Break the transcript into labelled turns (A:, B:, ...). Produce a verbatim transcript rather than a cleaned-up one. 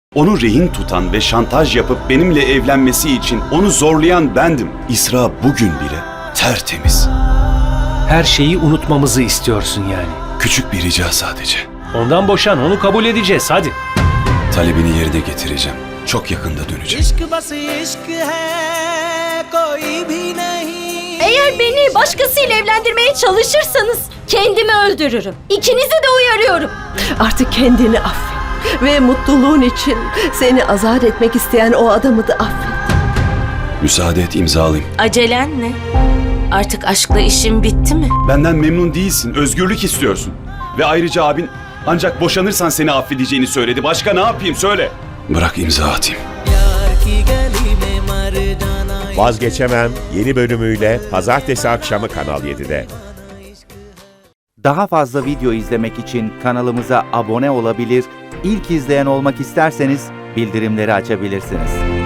A: Onu rehin tutan ve şantaj yapıp benimle evlenmesi için onu zorlayan bendim. İsra bugün bile tertemiz.
B: Her şeyi unutmamızı istiyorsun yani.
A: Küçük bir rica sadece.
B: Ondan boşan, onu kabul edeceğiz hadi.
A: Talebini yerine getireceğim. Çok yakında döneceğim.
C: Eğer beni başkasıyla evlendirmeye çalışırsanız kendimi öldürürüm. İkinizi de uyarıyorum.
D: Artık kendini affet. Ve mutluluğun için seni azat etmek isteyen o adamı da affet.
A: Müsaade et imzalayayım.
E: Acelen ne? Artık aşkla işin bitti mi?
A: Benden memnun değilsin, özgürlük istiyorsun. Ve ayrıca abin ancak boşanırsan seni affedeceğini söyledi. Başka ne yapayım söyle. Bırak imza atayım.
F: Vazgeçemem yeni bölümüyle pazartesi akşamı Kanal yedide.
G: Daha fazla video izlemek için kanalımıza abone olabilir, ilk izleyen olmak isterseniz bildirimleri açabilirsiniz.